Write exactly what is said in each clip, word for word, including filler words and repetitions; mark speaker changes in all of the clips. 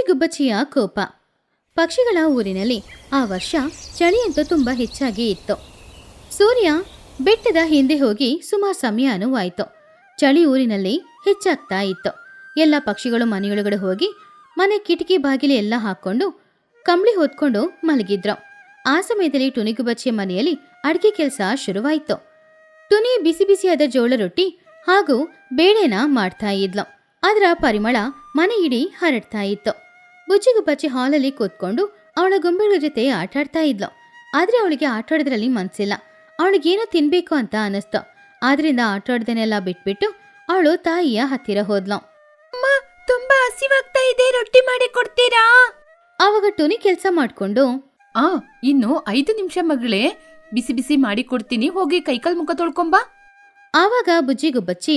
Speaker 1: ಬುಜ್ಜಿಗುಬ್ಬಚ್ಚಿಯ ಕೋಪ. ಪಕ್ಷಿಗಳ ಊರಿನಲ್ಲಿ ಆ ವರ್ಷ ಚಳಿಯಂತೂ ತುಂಬಾ ಹೆಚ್ಚಾಗಿ ಇತ್ತು. ಸೂರ್ಯ ಬೆಟ್ಟದ ಹಿಂದೆ ಹೋಗಿ ಸುಮಾರು ಸಮಯನೂ ಆಯಿತು. ಚಳಿ ಊರಿನಲ್ಲಿ ಹೆಚ್ಚಾಗ್ತಾ ಇತ್ತು. ಎಲ್ಲ ಪಕ್ಷಿಗಳು ಮನೆಯೊಳಗಡೆ ಹೋಗಿ ಮನೆ ಕಿಟಕಿ ಬಾಗಿಲು ಎಲ್ಲ ಹಾಕೊಂಡು ಕಂಬಳಿ ಹೊತ್ಕೊಂಡು ಮಲಗಿದ್ರು. ಆ ಸಮಯದಲ್ಲಿ ಟುನಿಗುಬ್ಬಚ್ಚಿಯ ಮನೆಯಲ್ಲಿ ಅಡಿಗೆ ಕೆಲಸ ಶುರುವಾಯಿತು. ಟುನಿ ಬಿಸಿ ಬಿಸಿಯಾದ ಜೋಳ ರೊಟ್ಟಿ ಹಾಗೂ ಬೇಳೆನ ಮಾಡ್ತಾ ಇದ್ಲು. ಅದರ ಪರಿಮಳ ಮನೆ ಇಡೀ ಹರಡ್ತಾ ಇತ್ತು. ಬುಜ್ಜಿಗುಬ್ಬಚ್ಚಿ ಹಾಲಲ್ಲಿ ಕೂತ್ಕೊಂಡು ಅವಳ ಗೊಂಬೆಗಳ ಜೊತೆ ಆಟಾಡ್ತಾ ಇದ್ಲು. ಆದ್ರೆ ಅವಳಿಗೆ ಆಟಾಡೋದ್ರಲ್ಲಿ ಮನ್ಸಿಲ್ಲ. ಅವಳಿಗೇನೋ ತಿನ್ಬೇಕು ಅಂತ ಅನಿಸ್ತು. ಆದ್ರಿಂದ ಆಟಾಡ್ದನ್ನೆಲ್ಲ ಬಿಟ್ಬಿಟ್ಟು ಅವಳು ತಾಯಿಯ ಹತ್ತಿರ ಹೋದ್ಲು.
Speaker 2: ಅಮ್ಮ, ತುಂಬಾ ಹಸಿವಾಗ್ತಾ ಇದೆ, ರೊಟ್ಟಿ ಮಾಡಿ ಕೊಡ್ತೀರಾ?
Speaker 1: ಆವಾಗ ಟುನಿ ಕೆಲಸ ಮಾಡ್ಕೊಂಡು,
Speaker 2: ಆ ಇನ್ನು ಐದು ನಿಮಿಷ ಮಗಳೇ, ಬಿಸಿ ಬಿಸಿ ಮಾಡಿ ಕೊಡ್ತೀನಿ, ಹೋಗಿ ಕೈಕಾಲ್ ಮುಖ ತೊಳ್ಕೊಂಬಾ.
Speaker 1: ಆವಾಗ ಬುಜ್ಜಿಗುಬ್ಬಚ್ಚಿ,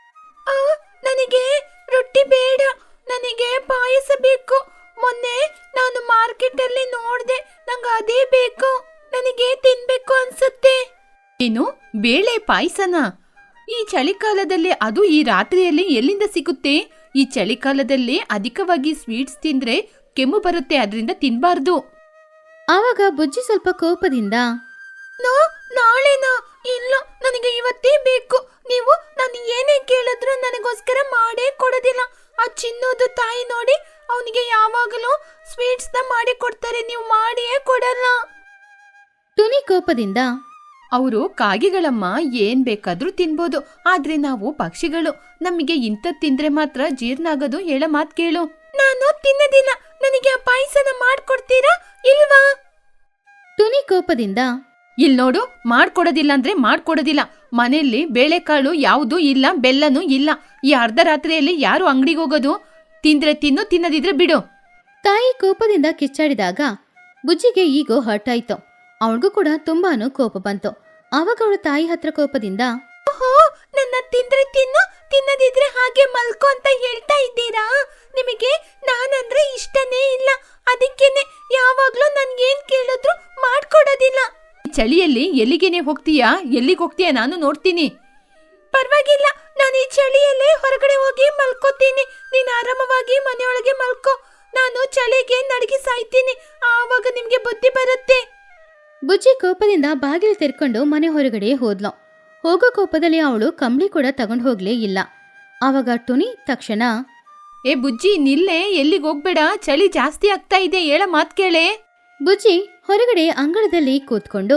Speaker 2: ನನಗೆ ರೊಟ್ಟಿ ಬೇಡ, ನನಗೆ ಪಾಯಸ ಬೇಕು. ಮೊನ್ನೆ ನಾನು ಮಾರ್ಕೆಟ್ ಅಲ್ಲಿ ನೋಡ್ದೆ, ನಂಗೆ ಅದೇ ಬೇಕು, ನನಗೆ ತಿನ್ಬೇಕು ಅನ್ಸುತ್ತೆ. ಏನು ಬೇಳೆ ಪಾಯಸನ? ಈ ಚಳಿಗಾಲದಲ್ಲಿ, ಅದು ಈ ರಾತ್ರಿಯಲ್ಲಿ ಎಲ್ಲಿಂದ ಸಿಗುತ್ತೆ? ಈ ಚಳಿಗಾಲದಲ್ಲಿ ಅಧಿಕವಾಗಿ ಸ್ವೀಟ್ಸ್ ತಿಂದ್ರೆ ಕೆಮ್ಮು ಬರುತ್ತೆ, ಅದರಿಂದ ತಿನ್ಬಾರ್ದು.
Speaker 1: ಆವಾಗ ಬುಜ್ಜಿ ಸ್ವಲ್ಪ ಕೋಪದಿಂದ,
Speaker 2: ನೋ ನಾಳೆನಾ? ಇಲ್ಲ, ನನಗೆ ಇವತ್ತೇ ಬೇಕು. ನೀವು ನಾನು ಏನೇ ಕೇಳಿದ್ರು ನನಗೋಸ್ಕರ ಮಾಡೇ ಕೊಡೋದಿಲ್ಲ. ಆ ಚಿನ್ನೋದು ತಾಯಿ ನೋಡಿ, ಅವನಿಗೆ ಯಾವಾಗಲೂ ಸ್ವೀಟ್ಸ್ ನ ಮಾಡಿ ಕೊಡ್ತಾರೆ, ನೀವು ಮಾಡಿಯೇ ಕೊಡಲ್ಲ.
Speaker 1: ಟುನಿ ಕೋಪದಿಂದ,
Speaker 2: ಅವರು ಕಾಗೆಗಳಮ್ಮ, ಏನ್ ಬೇಕಾದ್ರೂ ತಿನ್ಬೋದು, ಆದ್ರೆ ನಾವು ಪಕ್ಷಿಗಳು, ನಮಗೆ ಇಂಥದ್ ತಿಂದ್ರೆ ಮಾತ್ರ ಜೀರ್ಣ ಆಗೋದು. ಹೇಳ ಮಾತ್ ಕೇಳು. ನಾನು ತಿನ್ನದಿಲ್ಲ, ನನಗೆ ಆ ಪಾಯಸನ ಮಾಡ್ಕೊಡ್ತೀರಾ ಇಲ್ವಾ?
Speaker 1: ಟುನಿ ಕೋಪದಿಂದ,
Speaker 2: ಇಲ್ ನೋಡು, ಮಾಡ್ಕೊಡೋದಿಲ್ಲ ಅಂದ್ರೆ ಮಾಡ್ಕೊಡೋದಿಲ್ಲ. ಮನೆಯಲ್ಲಿ ಬೇಳೆಕಾಳು ಯಾವುದೂ ಇಲ್ಲ, ಬೆಲ್ಲನೂ ಇಲ್ಲ. ಈ ಅರ್ಧ ರಾತ್ರಿಯಲ್ಲಿ ಯಾರು ಅಂಗಡಿಗೆ ಹೋಗೋದು? ತಿಂದ್ರೆ ತಿನ್ನು, ತಿನ್ನದಿದ್ರೆ ಬಿಡು.
Speaker 1: ತಾಯಿ ಕೋಪದಿಂದ ಕಿಚ್ಚಾಡಿದಾಗ ಬುಜ್ಜಿಗೆ ಈಗೋ ಹರ್ಟ್ ಆಯ್ತು. ಅವಳಿಗೂ ಕೂಡ ತುಂಬಾನು ಕೋಪ ಬಂತು. ಆವಾಗ ಅವಳು ತಾಯಿ ಹತ್ರ ಕೋಪದಿಂದ,
Speaker 2: ಓಹೋ, ನನ್ನ ತಿಂದ್ರೆ ತಿನ್ನು, ತಿನ್ನದಿದ್ರೆ ಹಾಗೆ ಮಲ್ಕೋ ಅಂತ ಹೇಳ್ತಾ ಇದ್ದೀರಾ? ನಿಮಗೆ ನಾನಂದ್ರೆ ಇಷ್ಟನೇ ಇಲ್ಲ, ಅದಕ್ಕೇನೆ ಯಾವಾಗ್ಲೂ ನನ್ಗೇನ್ ಕೇಳಿದ್ರು ಮಾಡ್ಕೊಡೋದಿಲ್ಲ. ಚಳಿಯಲ್ಲಿ ಎಲ್ಲಿಗೇನೆ ಹೋಗ್ತೀಯಾ? ಎಲ್ಲಿಗೆ ಹೋಗ್ತೀಯಾ? ನಾನು ನೋಡ್ತೀನಿ. ಪರವಾಗಿಲ್ಲ, ನಾನು ಈ ಚಳಿಯಲ್ಲೇ ಹೊರಗಡೆ ಹೋಗಿ ಮಲ್ಕೋತೀನಿ. ನೀನು ಆರಾಮವಾಗಿ ಮನೆಯೊಳಗೆ ಮಲ್ಕೋ. ನಾನು ಚಳಿಗೆ ನಡಗಿ ಸಾಯ್ತೀನಿ, ಆವಾಗ ನಿಮ್ಗೆ ಬುದ್ಧಿ ಬರುತ್ತೆ.
Speaker 1: ಬುಜ್ಜಿ ಕೋಪದಿಂದ ಬಾಗಿಲು ತೆರ್ಕೊಂಡು ಮನೆ ಹೊರಗಡೆ ಹೋದ್ಲು. ಹೋಗೋ ಕೋಪದಲ್ಲಿ ಅವಳು ಕಂಬಳಿ ಕೂಡ ತಗೊಂಡು ಹೋಗ್ಲೇ ಇಲ್ಲ. ಆವಾಗ ಟುನಿ ತಕ್ಷಣ,
Speaker 2: ಏ ಬುಜ್ಜಿ, ನಿಲ್ಲೆ, ಎಲ್ಲಿಗೆ ಹೋಗ್ಬೇಡ, ಚಳಿ ಜಾಸ್ತಿ ಆಗ್ತಾ ಇದೆ, ಹೇಳ ಮಾತ್ ಕೇಳೆ.
Speaker 1: ಬುಜ್ಜಿ ಹೊರಗಡೆ ಅಂಗಳದಲ್ಲಿ ಕೂತ್ಕೊಂಡು,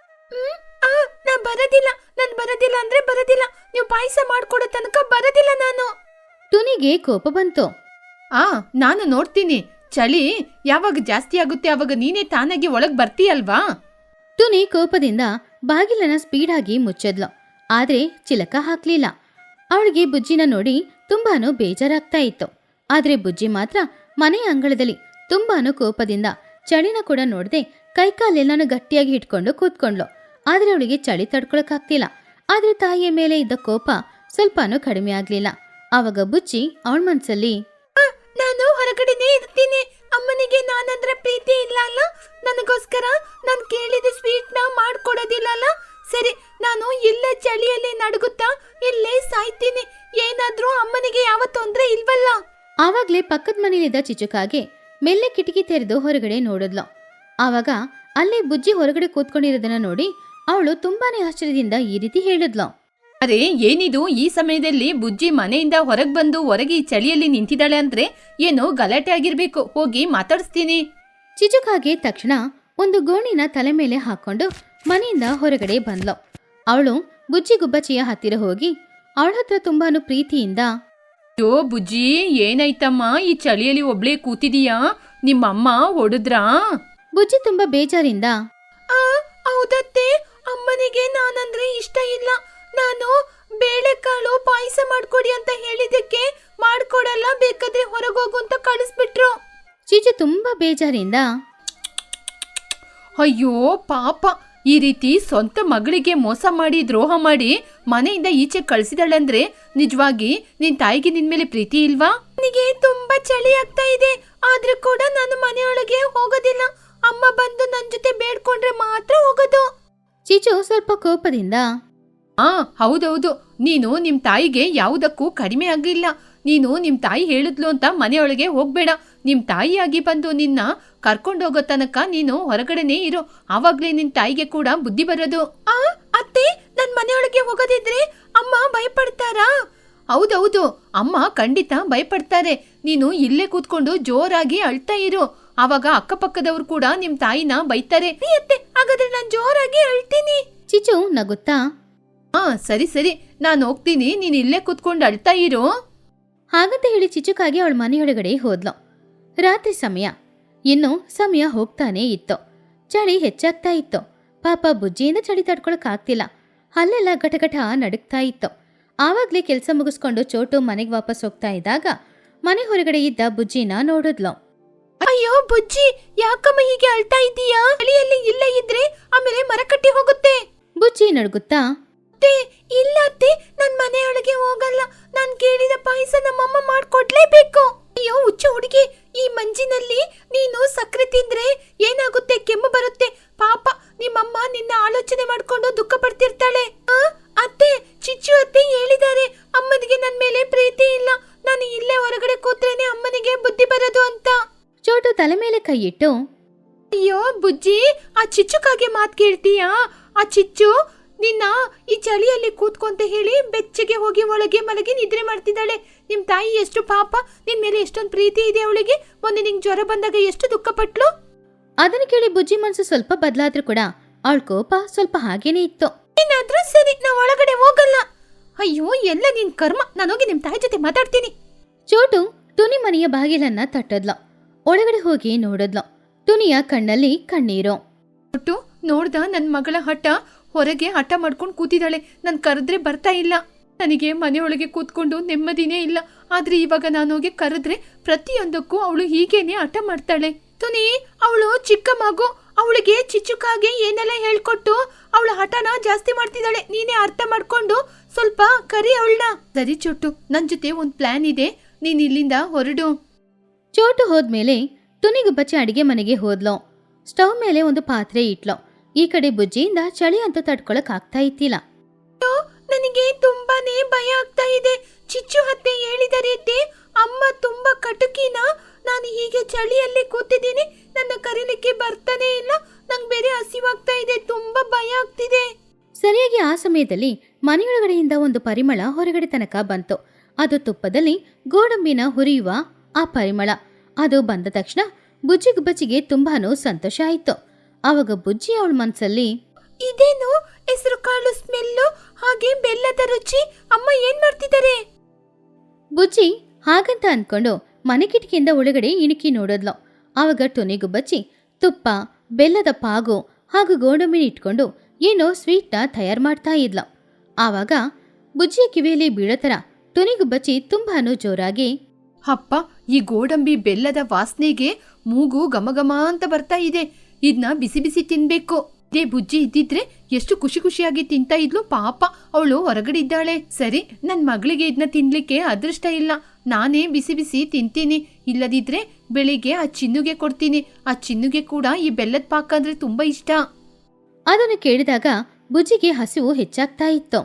Speaker 2: ನಾ ಬರೋದಿಲ್ಲ, ನಾನ್ ಬರೋದಿಲ್ಲ ಅಂದ್ರೆ ಬರೋದಿಲ್ಲ. ನೀವು ಪಾಯಸ ಮಾಡ್ಕೊಡೋ ತನಕ ಬರೋದಿಲ್ಲ ನಾನು.
Speaker 1: ಟುನಿಗೆ ಕೋಪ ಬಂತು.
Speaker 2: ಆ ನಾನು ನೋಡ್ತೀನಿ, ಚಳಿ ಯಾವಾಗ ಜಾಸ್ತಿ ಆಗುತ್ತೆ ಆವಾಗ ನೀನೇ ತಾನಾಗಿ ಒಳಗ್ ಬರ್ತೀಯಲ್ವಾ?
Speaker 1: ಟುನಿ ಕೋಪದಿಂದ ಬಾಗಿಲನ್ನ ಸ್ಪೀಡಾಗಿ ಮುಚ್ಚದ್ಲು. ಆದ್ರೆ ಚಿಲಕ ಹಾಕ್ಲಿಲ್ಲ. ಅವಳಿಗೆ ಬುಜ್ಜಿನ ನೋಡಿ ತುಂಬಾನು ಬೇಜಾರಾಗ್ತಾ ಇತ್ತು. ಆದ್ರೆ ಬುಜ್ಜಿ ಮಾತ್ರ ಮನೆಯ ಅಂಗಳದಲ್ಲಿ ತುಂಬಾನು ಕೋಪದಿಂದ ಚಳಿನ ಕೂಡ ನೋಡದೆ ಕೈಕಾಲೆಲ್ಲಾನು ಗಟ್ಟಿಯಾಗಿ ಹಿಡ್ಕೊಂಡು ಕೂತ್ಕೊಂಡ್ಲು. ಆದ್ರೆ ಅವಳಿಗೆ ಚಳಿ ತಡ್ಕೊಳಕ್ಕಾಗ್ತಿಲ್ಲ. ಆದ್ರೆ ತಾಯಿಯ ಮೇಲೆ ಇದ್ದ ಕೋಪ ಸ್ವಲ್ಪನೂ ಕಡಿಮೆ ಆಗ್ಲಿಲ್ಲ. ಆವಾಗ ಬುಜ್ಜಿ ಅವಳ ಮನ್ಸಲ್ಲಿ,
Speaker 2: ನಾನು ಹೊರಗಡೆನೇ ಇರ್ತೀನಿ, ಅಮ್ಮನಿಗೆ ನಾನಂದ್ರೆ ಪ್ರೀತಿ ಇಲ್ಲ ಅಲ್ಲ, ನನಗೋಸ್ಕರ ನಾನು ಕೇಳಿದ ಸ್ವೀಟ್ ನ ಮಾಡ್ಕೊಡೋದಿಲ್ಲ ಅಲ್ಲ, ಸರಿ ನಾನು ಇಲ್ಲೇ ಚಳಿಯಲ್ಲಿ ನಡುಗುತ್ತಾ ಇಲ್ಲೇ ಸಾಯ್ತೀನಿ. ಏನಾದ್ರೂ ಅಮ್ಮನಿಗೆ ಯಾವ ತೊಂದ್ರೆ ಇಲ್ವಲ್ಲ?
Speaker 1: ಆವಾಗ್ಲೇ ಪಕ್ಕದ ಮನೆಯಲ್ಲಿದ್ದ ಚಿಚುಕಾಗೆ ಮೆಲ್ಲೆ ಕಿಟಕಿ ತೆರೆದು ಹೊರಗಡೆ ನೋಡಿದ್ಲು. ಆವಾಗ ಅಲ್ಲೇ ಬುಜ್ಜಿ ಹೊರಗಡೆ ಕೂತ್ಕೊಂಡಿರೋದನ್ನ ನೋಡಿ ಅವಳು ತುಂಬಾನೇ ಆಶ್ಚರ್ಯದಿಂದ ಈ ರೀತಿ ಹೇಳಿದ್ಲು,
Speaker 2: ಅರೆ ಏನಿದು, ಈ ಸಮಯದಲ್ಲಿ ಬುಜ್ಜಿ ಮನೆಯಿಂದ ಹೊರಗೆ ಬಂದು ಹೊರಗೆ ಈ ಚಳಿಯಲ್ಲಿ ನಿಂತಿದ್ದಾಳೆ ಅಂದ್ರೆ ಏನೋ ಗಲಾಟೆ ಆಗಿರ್ಬೇಕು, ಹೋಗಿ ಮಾತಾಡಿಸ್ತೀನಿ.
Speaker 1: ಚಿಚುಕಾಗೆ ತಕ್ಷಣ ಒಂದು ಗೋಣಿನ ತಲೆ ಮೇಲೆ ಹಾಕೊಂಡು ಮನೆಯಿಂದ ಹೊರಗಡೆ ಬಂದ್ಲು. ಅವಳು ಬುಜ್ಜಿಗುಬ್ಬಚ್ಚಿಯ ಹತ್ತಿರ ಹೋಗಿ ಅವಳ ಹತ್ರ ತುಂಬಾನು ಪ್ರೀತಿಯಿಂದ,
Speaker 2: ಯೋ ಬುಜ್ಜಿ, ಏನಾಯ್ತಮ್ಮ, ಈ ಚಳಿಯಲ್ಲಿ ಒಬ್ಳೇ ಕೂತಿದೀಯಾ? ನಿಮ್ಮಮ್ಮ ಹೊಡೆದ್ರಾ?
Speaker 1: ಬುಜ್ಜಿ ತುಂಬಾ ಬೇಜಾರಿಂದ,
Speaker 2: ಹೌದತ್ತೆ, ಅಮ್ಮನಿಗೆ ನಾನಂದ್ರೆ ಇಷ್ಟ ಇಲ್ಲ. ನಾನು ಬೇಳೆಕಾಳು ಪಾಯಸ ಮಾಡ್ಕೊಡಿ ಅಂತ ಹೇಳಿದಕ್ಕೆ ಮಾಡ್ಕೊಡಲ್ಲ, ಬೇಕಾದ್ರೆ ಹೊರಗೋಗು ಅಂತ ಕಳಿಸ್ಬಿಟ್ರು.
Speaker 1: ಚಿಚು ತುಂಬಾ ಬೇಜಾರಿಂದ,
Speaker 2: ಅಯ್ಯೋ ಪಾಪ, ಈ ರೀತಿ ಸ್ವಂತ ಮಗಳಿಗೆ ಮೋಸ ಮಾಡಿ ದ್ರೋಹ ಮಾಡಿ ಮನೆಯಿಂದ ಈಚೆ ಕಳಿಸಿದಳಂದ್ರೆ ನಿಜವಾಗಿ ನಿನ್ ತಾಯಿಗೆ ನಿನ್ ಮೇಲೆ ಪ್ರೀತಿ ಇಲ್ವಾ? ನನಗೆ ತುಂಬಾ ಚಳಿ ಆಗ್ತಾ ಇದೆ, ಆದ್ರೂ ಕೂಡ ನಾನು ಮನೆಯೊಳಗೆ ಹೋಗೋದಿಲ್ಲ. ಅಮ್ಮ ಬಂದು ನನ್ ಜೊತೆ ಬೇಡ್ಕೊಂಡ್ರೆ ಮಾತ್ರ ಹೋಗೋದು.
Speaker 1: ಚಿಚು ಸ್ವಲ್ಪ ಕೋಪದಿಂದ,
Speaker 2: ಆ ಹೌದೌದು, ನೀನು ನಿಮ್ ತಾಯಿಗೆ ಯಾವುದಕ್ಕೂ ಕಡಿಮೆ ಆಗಿಲ್ಲ.
Speaker 3: ನೀನು ನಿಮ್ ತಾಯಿ ಹೇಳಿದ್ಲು ಅಂತ ಮನೆಯೊಳಗೆ ಹೋಗ್ಬೇಡ. ನಿಮ್ ತಾಯಿಯಾಗಿ ಬಂದು ನಿನ್ನ ಕರ್ಕೊಂಡೋಗೋ ತನಕ ನೀನು ಹೊರಗಡೆನೇ ಇರು. ಆವಾಗ್ಲೇ ನಿನ್ ತಾಯಿಗೆ ಕೂಡ ಬುದ್ಧಿ ಬರೋದು.
Speaker 2: ಆ ಅತ್ತೆ, ನನ್ ಮನೆಯೊಳಗೆ ಹೋಗೋದಿದ್ರೆ ಅಮ್ಮ ಭಯಪಡ್ತಾರಾ?
Speaker 3: ಹೌದೌದು, ಅಮ್ಮ ಖಂಡಿತ ಭಯಪಡ್ತಾರೆ. ನೀನು ಇಲ್ಲೇ ಕೂತ್ಕೊಂಡು ಜೋರಾಗಿ ಅಳ್ತಾ ಇರು. ಆವಾಗ ಅಕ್ಕಪಕ್ಕದವ್ರು ಕೂಡ ನಿಮ್ ತಾಯಿನ ಬೈತಾರೆ.
Speaker 2: ಅತ್ತೆ, ಹಾಗಾದ್ರೆ ನಾನ್ ಜೋರಾಗಿ ಅಳ್ತೀನಿ.
Speaker 1: ಚಿಚ್ಚು ನಗುತ್ತಾ,
Speaker 3: ಹಾ ಸರಿ ಸರಿ, ನಾನ್ ಹೋಗ್ತೀನಿ, ನೀನ್ ಇಲ್ಲೇ ಕೂತ್ಕೊಂಡು ಅಳ್ತಾ ಇರು.
Speaker 1: ಹಾಗಂತ ಹೇಳಿ ಚಿಚ್ಚುಕಾಗಿ ಅವಳ ಮನೆಯೊಳಗಡೆ ಹೋದ್ಲು. ರಾತ್ರಿ ಸಮಯ. ಇನ್ನು ಸಮಯ ಹೋಗ್ತಾನೇ ಇತ್ತು. ಚಳಿ ಹೆಚ್ಚಾಗ್ತಾ ಇತ್ತು. ಪಾಪ ಬುಜ್ಜಿಯಿಂದ ಚಳಿ ತಡ್ಕೊಳಕ್ ಆಗ್ತಿಲ್ಲ. ಅಲ್ಲೆಲ್ಲ ಘಟಘಟ ನಡುಗ್ತಾ ಇತ್ತು. ಆವಾಗ್ಲೇ ಕೆಲಸ ಮುಗಿಸ್ಕೊಂಡು ಚೋಟು ಮನೆಗೆ ವಾಪಸ್ ಹೋಗ್ತಾ ಇದ್ದಾಗ ಮನೆ ಹೊರಗಡೆ ಇದ್ದ ಬುಜ್ಜಿನ ನೋಡಿದ್ಲು.
Speaker 2: ಅಯ್ಯೋ ಬುಜ್ಜಿ, ಯಾಕಮ್ಮ ಹೀಗೆ ಅಳ್ತಾ ಇದ್ದೀಯಾ? ಚಳಿಯಲ್ಲಿ ಇಲ್ಲೇ ಇದ್ರೆ ಆಮೇಲೆ ಮರ ಕಟ್ಟಿ ಹೋಗುತ್ತೆ.
Speaker 1: ಬುಜ್ಜಿ ನಡುಗುತ್ತಾ,
Speaker 2: ಅತ್ತೆ, ಇಲ್ಲ ಅತ್ತೆ, ನನ್ ಮನೆಯೊಳಗೆ ಹೋಗಲ್ಲ. ನಾನ್ ಕೇಳಿದ ಪಾಯಸ ನಮ್ಮಮ್ಮ ಮಾಡ್ಕೊಡ್ಲೇಬೇಕು. ಅಯ್ಯೋ ಹುಚ್ಚು ಹುಡುಗಿ, ಈ ಮಂಜಿನಲ್ಲಿ ನೀನು ಸಕ್ಕರೆ ತಿಂದ್ರೆ ಏನಾಗುತ್ತೆ? ಕೆಮ್ಮು ಬರುತ್ತೆ. ಪಾಪ ನಿಮ್ಮಮ್ಮ ನಿನ್ನ ಆಲೋಚನೆ ಮಾಡ್ಕೊಂಡು ದುಃಖ ಪಡ್ತಿರ್ತಾಳೆ. ಆ ಅತ್ತೆ, ಚಿಚ್ಚು ಅತ್ತೆ ಹೇಳಿದ್ದಾರೆ ಅಮ್ಮನಿಗೆ ನನ್ ಮೇಲೆ ಪ್ರೀತಿ ಇಲ್ಲ. ನಾನು ಇಲ್ಲೇ ಹೊರಗಡೆ ಕೂತ್ರೇನೆ ಅಮ್ಮನಿಗೆ ಬುದ್ಧಿ ಬರೋದು ಅಂತ.
Speaker 1: ಚೋಟು ತಲೆ ಮೇಲೆ ಕೈ ಇಟ್ಟು,
Speaker 2: ಅಯ್ಯೋ ಬುಜ್ಜಿ, ಆ ಚಿಚ್ಚುಕಾಗೆ ಮಾತ್ ಕೇಳ್ತೀಯಾ? ಆ ಚಿಚ್ಚು ನಿನ್ನ ಈ ಚಳಿಯಲ್ಲಿ ಕೂತ್ಕೊಂತ ಹೇಳಿ ಬೆಚ್ಚಗೆ ಹೋಗಿ ಒಳಗೆ ಮಲಗಿ ನಿದ್ರೆ ಮಾಡ್ತಿದ್ದಾಳೆ. ನಿಮ್ ತಾಯಿ ಎಷ್ಟು ಪಾಪ, ನಿನ್ ಮೇಲೆ ಎಷ್ಟೊಂದು ಪ್ರೀತಿ ಇದೆ ಅವಳಿಗೆ. ಮೊನ್ನೆ ನಿಂಗ್ ಜ್ವರ ಬಂದಾಗ ಎಷ್ಟು ದುಃಖ ಪಟ್ಲು.
Speaker 1: ಅದನ್ನ ಕೇಳಿ ಬುಜ್ಜಿ ಮನಸ್ಸು ಸ್ವಲ್ಪ ಬದಲಾದ್ರೂ ಕೂಡ ಅವಳ ಕೋಪ ಸ್ವಲ್ಪ ಹಾಗೇನೆ ಇತ್ತು.
Speaker 2: ಏನಾದ್ರೂ ಸರಿ, ನಾ ಒಳಗಡೆ ಹೋಗಲ್ಲ. ಅಯ್ಯೋ ಎಲ್ಲ ನಿನ್ ಕರ್ಮ, ನಾನೋಗಿ ನಿಮ್ ತಾಯಿ ಜೊತೆ ಮಾತಾಡ್ತೀನಿ.
Speaker 1: ಚೋಟು ತುನಿ ಮನೆಯ ಬಾಗಿಲನ್ನ ತಟ್ಟದ್ಲು. ಒಳಗಡೆ ಹೋಗಿ ನೋಡಿದ್ಲು. ತುನಿಯ ಕಣ್ಣಲ್ಲಿ ಕಣ್ಣೀರು.
Speaker 3: ಒಟ್ಟು ನೋಡ್ದ ನನ್ ಮಗಳ ಹಠ. ಹೊರಗೆ ಹಠ ಮಾಡ್ಕೊಂಡು ಕೂತಿದ್ದಾಳೆ. ನನ್ ಕರೆದ್ರೆ ಬರ್ತಾ ಇಲ್ಲ. ನನಗೆ ಮನೆಯೊಳಗೆ ಕೂತ್ಕೊಂಡು ನೆಮ್ಮದಿನೇ ಇಲ್ಲ. ಆದ್ರೆ ಇವಾಗ ನಾನೋಗಿ ಕರೆದ್ರೆ ಪ್ರತಿಯೊಂದಕ್ಕೂ ಅವಳು ಹೀಗೇನೆ ಹಠ ಮಾಡ್ತಾಳೆ.
Speaker 2: ತುನಿ, ಅವಳು ಚಿಕ್ಕ ಮಗು. ಅವಳಿಗೆ ಚಿಚ್ಚುಕಾಗೆ ಏನೆಲ್ಲ ಹೇಳ್ಕೊಟ್ಟು ಅವಳ ಹಠನ ಜಾಸ್ತಿ ಮಾಡ್ತಿದ್ದಾಳೆ. ನೀನೇ ಅರ್ಥ ಮಾಡ್ಕೊಂಡು ಸ್ವಲ್ಪ ಕರಿ ಅವಳನ್ನ.
Speaker 3: ಸರಿ ಚೋಟು, ನನ್ ಜೊತೆ ಒಂದ್ ಪ್ಲಾನ್ ಇದೆ. ನೀನ್ ಇಲ್ಲಿಂದ ಹೊರಡು.
Speaker 1: ಚೋಟು ಹೋದ್ಮೇಲೆ ತುನಿಗುಬ್ಬಚ್ಚಿ ಅಡಿಗೆ ಮನೆಗೆ ಹೋದ್ಲು. ಸ್ಟವ್ ಮೇಲೆ ಒಂದು ಪಾತ್ರೆ ಇಟ್ಲು. ಈ ಕಡೆ ಬುಜ್ಜಿಯಿಂದ ಚಳಿ ಅಂತ ತಡ್ಕೊಳಕ್ ಆಗ್ತಾ ಇತ್ತಿಲ್ಲ.
Speaker 2: ನನಗೆ ತುಂಬಾನೇ ಭಯ ಆಗ್ತಾ ಇದೆ. ಚಿಚ್ಚು ಅತ್ತೆ ಹೇಳಿದ ರೀತಿ ಅಮ್ಮ ತುಂಬಾ ಕಟುಕಿನ. ನಾನು ಹೀಗೆ ಚಳಿಯಲ್ಲಿ ಕೂತಿದ್ದೀನಿ, ನನ್ನ ಕರೀಲಿಕ್ಕೆ ಬರ್ತಾನೆ ಇಲ್ಲ. ನಂಗೆ ಬೇರೆ ಹಸಿವಾಗ್ತಾ ಇದೆ, ತುಂಬಾ ಭಯ ಆಗ್ತಿದೆ.
Speaker 1: ಸರಿಯಾಗಿ ಆ ಸಮಯದಲ್ಲಿ ಮನೆಯೊಳಗಡೆಯಿಂದ ಒಂದು ಪರಿಮಳ ಹೊರಗಡೆ ತನಕ ಬಂತು. ಅದು ತುಪ್ಪದಲ್ಲಿ ಗೋಡಂಬಿನ ಹುರಿಯುವ ಆ ಪರಿಮಳ. ಅದು ಬಂದ ತಕ್ಷಣ ಬುಜ್ಜಿಗುಬ್ಬಚ್ಚಿಗೆ ತುಂಬಾನು ಸಂತೋಷ ಆಯ್ತು. ಆವಾಗ ಬುಜ್ಜಿ ಅವಳ ಮನ್ಸಲ್ಲಿ,
Speaker 2: ಇದೇನು ಹೆಸರು ಕಾಳು ಸ್ಮೆಲ್ಲು, ಹಾಗೆ ಬೆಲ್ಲದ ರುಚಿ. ಅಮ್ಮ ಏನ್ ಮಾಡ್ತಿದ್ದಾರೆ?
Speaker 1: ಬುಜ್ಜಿ ಹಾಗಂತ ಅನ್ಕೊಂಡು ಮನೆ ಕಿಟಕಿಯಿಂದ ಒಳಗಡೆ ಇಣುಕಿ ನೋಡಿದ್ಲು. ಆವಾಗ ಟೊನಿಗುಬ್ಬಚ್ಚಿ ತುಪ್ಪ, ಬೆಲ್ಲದ ಪಾಗು ಹಾಗೂ ಗೋಡಂಬಿನ ಇಟ್ಕೊಂಡು ಏನೋ ಸ್ವೀಟ್ನ ತಯಾರು ಮಾಡ್ತಾ ಇದ್ಲು. ಆವಾಗ ಬುಜ್ಜಿಯ ಕಿವಿಯಲ್ಲಿ ಬೀಳೋ ಥರ ಟೊನಿಗುಬ್ಬಚ್ಚಿ ತುಂಬಾನು ಜೋರಾಗಿ,
Speaker 3: ಅಪ್ಪ, ಈ ಗೋಡಂಬಿ ಬೆಲ್ಲದ ವಾಸನೆಗೆ ಮೂಗು ಘಮಘಮ ಅಂತ ಬರ್ತಾ ಇದೆ. ಇದನ್ನ ಬಿಸಿ ಬಿಸಿ ತಿನ್ಬೇಕು. ಇದೇ ಬುಜ್ಜಿ ಇದ್ದಿದ್ರೆ ಎಷ್ಟು ಖುಷಿ ಖುಷಿಯಾಗಿ ತಿಂತಾ ಇದ್ಲು. ಪಾಪ ಅವಳು ಹೊರಗಡೆ ಇದ್ದಾಳೆ. ಸರಿ, ನನ್ ಮಗಳಿಗೆ ಇದನ್ನ ತಿನ್ಲಿಕ್ಕೆ ಅದೃಷ್ಟ ಇಲ್ಲ. ನಾನೇ ಬಿಸಿ ಬಿಸಿ ತಿಂತೀನಿ. ಇಲ್ಲದಿದ್ರೆ ಬೆಳಿಗ್ಗೆ ಆ ಚಿನ್ನುಗೆ ಕೊಡ್ತೀನಿ. ಆ ಚಿನ್ನುಗೆ ಕೂಡ ಈ ಬೆಲ್ಲದ ಪಾಕ ಅಂದ್ರೆ ತುಂಬಾ ಇಷ್ಟ.
Speaker 1: ಅದನ್ನು ಕೇಳಿದಾಗ ಬುಜ್ಜಿಗೆ ಹಸಿವು ಹೆಚ್ಚಾಗ್ತಾ ಇತ್ತು.